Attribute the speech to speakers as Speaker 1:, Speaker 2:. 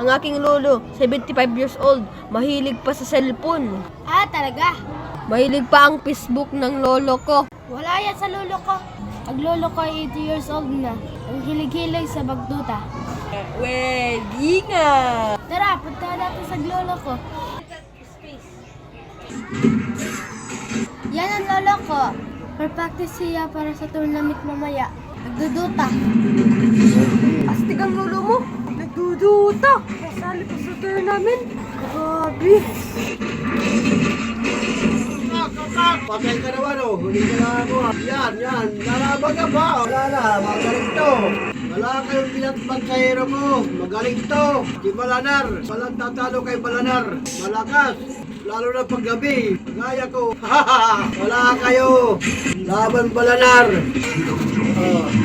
Speaker 1: Ang aking lolo, 75 years old, mahilig pa sa cellphone.
Speaker 2: Ah, talaga?
Speaker 1: Mahilig pa ang Facebook ng lolo ko.
Speaker 2: Wala yan sa lolo ko. Ang lolo ko ay 80 years old na. Ang hilig-hilig sa bagduta.
Speaker 1: Pwede nga.
Speaker 2: Tara, punta natin sa lolo ko. Yan ang lolo ko. Per-practice siya para sa tournament mamaya. Nagduduta.
Speaker 1: Astig ang lolo mo. Nagduduta. Kasali pa sa tournament. Grabe.
Speaker 3: Patay ka naman oh, huli ka na ako ah. Yan, lalaban ka pa. Wala na, magaling to. Wala kayong pinatbansahero ko, magaling to. Si Balanar, walang tatalo kay Balanar. Malakas, lalo na paggabi. Gaya ko, wala kayo. Laban Balanar.